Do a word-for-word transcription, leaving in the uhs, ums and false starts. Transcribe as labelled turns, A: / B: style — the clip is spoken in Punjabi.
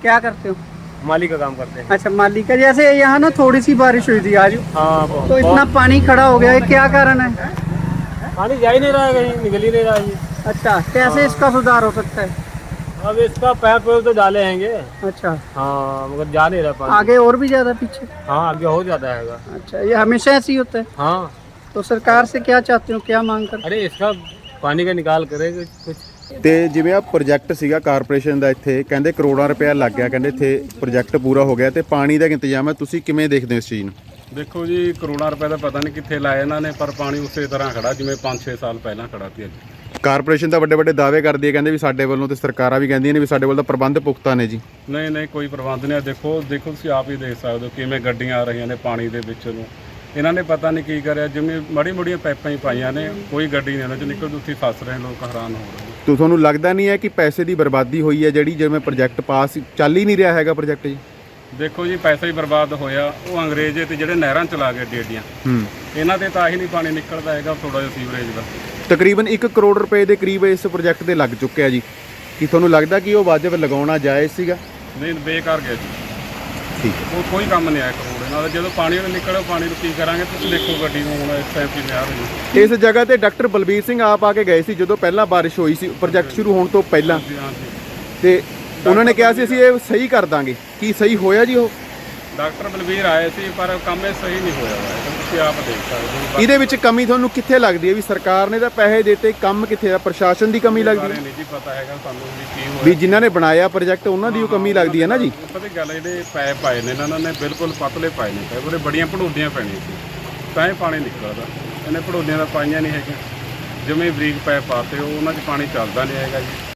A: क्या करते हो?
B: माली का काम करते हैं।
A: अच्छा, माली का। जैसे यहाँ ना थोड़ी सी बारिश हुई थी आज,
B: हाँ बहुत-
A: तो इतना पानी खड़ा हो गया है, क्या कारण है?
B: पानी जा ही नहीं रहा है, कहीं निकल ही नहीं रहा है ये।
A: अच्छा, कैसे इसका सुधार हो सकता है?
B: अब इसका पैप वैप तो डाले हैंगे।
A: अच्छा,
B: हाँ मगर जा नहीं रहा पानी।
A: आगे और भी ज्यादा पीछे?
B: हाँ आगे हो जाता है।
A: अच्छा, ये हमेशा ऐसे ही होता है?
B: हाँ
A: तो सरकार से क्या चाहते हो, क्या मांग कर?
B: अरे इसका पानी का निकाल करे कुछ।
C: ਤੇ ਜਿਵੇਂ ਆ ਪ੍ਰੋਜੈਕਟ ਸੀਗਾ ਕਾਰਪੋਰੇਸ਼ਨ ਦਾ, ਇੱਥੇ ਕਹਿੰਦੇ ਕਰੋੜਾਂ ਰੁਪਇਆ ਲੱਗ ਗਿਆ, ਕਹਿੰਦੇ ਇੱਥੇ ਪ੍ਰੋਜੈਕਟ ਪੂਰਾ ਹੋ ਗਿਆ ਤੇ ਪਾਣੀ ਦਾ ਇੰਤਜ਼ਾਮ ਹੈ, ਤੁਸੀਂ ਕਿਵੇਂ ਦੇਖਦੇ ਹੋ ਇਸ ਚੀਜ਼ ਨੂੰ?
D: ਦੇਖੋ ਜੀ, ਕਰੋੜਾਂ ਰੁਪਏ ਦਾ ਪਤਾ ਨਹੀਂ ਕਿੱਥੇ ਲਾਇਆ ਇਹਨਾਂ ਨੇ, ਪਰ ਪਾਣੀ ਉਸੇ ਤਰ੍ਹਾਂ ਖੜਾ ਜਿਵੇਂ ਪੰਜ ਛੇ ਸਾਲ ਪਹਿਲਾਂ ਖੜਾ ਸੀ। ਅੱਜ
C: ਕਾਰਪੋਰੇਸ਼ਨ ਤਾਂ ਵੱਡੇ ਵੱਡੇ ਦਾਅਵੇ ਕਰਦੀ ਹੈ, ਕਹਿੰਦੇ ਵੀ ਸਾਡੇ ਵੱਲੋਂ ਤੇ ਸਰਕਾਰਾਂ ਵੀ ਕਹਿੰਦੀਆਂ ਨੇ ਵੀ ਸਾਡੇ ਵੱਲ ਤਾਂ ਪ੍ਰਬੰਧ ਪੁਖਤਾ ਨੇ ਜੀ।
D: ਨਹੀਂ ਨਹੀਂ, ਕੋਈ ਪ੍ਰਬੰਧ ਨਹੀਂ। ਦੇਖੋ ਦੇਖੋ ਤੁਸੀਂ ਆਪ ਹੀ ਦੇਖ ਸਕਦੇ ਹੋ ਕਿਵੇਂ ਗੱਡੀਆਂ ਆ ਰਹੀਆਂ ਨੇ ਪਾਣੀ ਦੇ ਵਿੱਚ ਨੂੰ। ਇਹਨਾਂ ਨੇ ਪਤਾ ਨਹੀਂ ਕੀ ਕਰਿਆ, ਜਿਵੇਂ ਮੜੀ ਮੜੀਆਂ ਪਾਈਪਾਂ ਹੀ ਪਾਈਆਂ ਨੇ, ਕੋਈ ਗੱਡੀ ਨਹੀਂ ਉਹਨਾਂ 'ਚ ਨਿਕਲਦੀ, ਉੱਥੇ ਫਸ ਰਹੇ ਲੋਕ, ਹੈਰਾਨ ਹੋ ਰਹੇ।
C: ਤੋ ਤੁਹਾਨੂੰ ਲੱਗਦਾ ਨਹੀਂ ਹੈ ਕਿ ਪੈਸੇ ਦੀ ਬਰਬਾਦੀ ਹੋਈ ਹੈ ਜਿਹੜੀ, ਜਿਵੇਂ ਪ੍ਰੋਜੈਕਟ ਪਾਸ ਚੱਲ ਹੀ ਨਹੀਂ ਰਿਹਾ ਹੈਗਾ ਪ੍ਰੋਜੈਕਟ ਜੀ?
D: ਦੇਖੋ ਜੀ, ਪੈਸਾ ਹੀ ਬਰਬਾਦ ਹੋਇਆ। ਉਹ ਅੰਗਰੇਜ਼ ਤੇ ਜਿਹੜੇ ਨਹਿਰਾਂ ਚਲਾ ਗਏ ਏਡੀਆਂ,
C: ਹੂੰ,
D: ਇਹਨਾਂ ਤੇ ਤਾਂ ਹੀ ਨਹੀਂ ਪਾਣੀ ਨਿਕਲਦਾ ਹੈਗਾ, ਥੋੜਾ ਜਿਹਾ ਸੀਵਰੇਜ ਦਾ।
C: ਤਕਰੀਬਨ ਇੱਕ ਕਰੋੜ ਰੁਪਏ ਦੇ ਕਰੀਬ ਇਸ ਪ੍ਰੋਜੈਕਟ ਤੇ ਲੱਗ ਚੁੱਕਿਆ ਜੀ। ਕੀ ਤੁਹਾਨੂੰ ਲੱਗਦਾ ਕਿ ਉਹ ਵਾਜਬ ਲਗਾਉਣਾ ਜਾਇਜ਼ ਸੀਗਾ?
D: ਨਹੀਂ, ਬੇਕਾਰ ਗਿਆ ਜੀ।
C: ਠੀਕ ਹੈ।
D: ਉਹ ਕੋਈ ਕੰਮ ਨਹੀਂ ਆਇਆ ਕਰੋੜ ਨਾਲ। ਜਦੋਂ ਪਾਣੀ ਨਿਕਲਿਆ, ਪਾਣੀ ਨੂੰ ਕੀ ਕਰਾਂਗੇ? ਤੁਸੀਂ ਦੇਖੋ ਗੱਡੀ ਨੂੰ ਹੁਣ ਇਸ ਟਾਈਮ ਕਿਵੇਂ ਆ ਰਹੀ ਹੈ।
C: ਇਸ ਜਗ੍ਹਾ ਤੇ ਡਾਕਟਰ ਬਲਬੀਰ ਸਿੰਘ ਆਪ ਆ ਕੇ ਗਏ ਸੀ ਜਦੋਂ ਪਹਿਲਾਂ ਬਾਰਿਸ਼ ਹੋਈ ਸੀ ਪ੍ਰੋਜੈਕਟ ਸ਼ੁਰੂ ਹੋਣ ਤੋਂ ਪਹਿਲਾਂ,
D: ਹਾਂਜੀ ਹਾਂਜੀ।
C: ਤੇ ਉਹਨਾਂ ਨੇ ਕਿਹਾ ਸੀ ਅਸੀਂ ਇਹ ਸਹੀ ਕਰ ਦਾਂਗੇ। ਕੀ ਸਹੀ ਹੋਇਆ ਜੀ ਉਹ?
D: ਡਾਕਟਰ ਬਲਬੀਰ ਆਏ ਸੀ, ਪਰ ਕੰਮ ਇਹ ਸਹੀ ਨਹੀਂ ਹੋਇਆ ਹੋਇਆ, ਤੁਸੀਂ ਆਪ ਦੇਖ ਸਕਦੇ ਹੋ।
C: ਇਹਦੇ ਵਿੱਚ ਕਮੀ ਤੁਹਾਨੂੰ ਕਿੱਥੇ ਲੱਗਦੀ ਹੈ? ਵੀ ਸਰਕਾਰ ਨੇ ਤਾਂ ਪੈਸੇ ਦਿੱਤੇ, ਕੰਮ ਕਿੱਥੇ ਆ? ਪ੍ਰਸ਼ਾਸਨ ਦੀ ਕਮੀ ਲੱਗਦੀ
D: ਬਾਰੇ
C: ਹੈ
D: ਨਹੀਂ ਜੀ ਪਤਾ ਹੈਗਾ ਸਾਨੂੰ ਵੀ ਕੀ ਹੋਇਆ।
C: ਵੀ ਜਿਨ੍ਹਾਂ ਨੇ ਬਣਾਇਆ ਪ੍ਰੋਜੈਕਟ ਉਹਨਾਂ ਦੀ ਉਹ ਕਮੀ ਲੱਗਦੀ ਹੈ ਨਾ ਜੀ।
D: ਪਤਾ ਕੀ ਗੱਲ ਹੈ, ਜਿਹੜੇ ਪੈਪ ਪਾਏ ਨੇ ਇਹਨਾਂ ਨੇ ਬਿਲਕੁਲ ਪਤਲੇ ਪਾਏ ਨੇ ਪੈਪ, ਉਹਦੇ ਬੜੀਆਂ ਭੜੋਡੀਆਂ ਪੈਣੀਆਂ ਸੀ ਤਾਂ ਇਹ ਪਾਣੀ ਨਿਕਲਦਾ। ਇਹਨੇ ਭੜੋਡੀਆਂ ਦਾ ਪਾਈਆਂ ਨਹੀਂ ਹੈਗੀਆਂ, ਜਿਵੇਂ ਬਰੀਕ ਪੈਪ ਪਾਤੇ ਉਹ ਉਹਨਾਂ 'ਚ ਪਾਣੀ ਚੱਲਦਾ ਨਹੀਂ ਹੈਗਾ ਜੀ।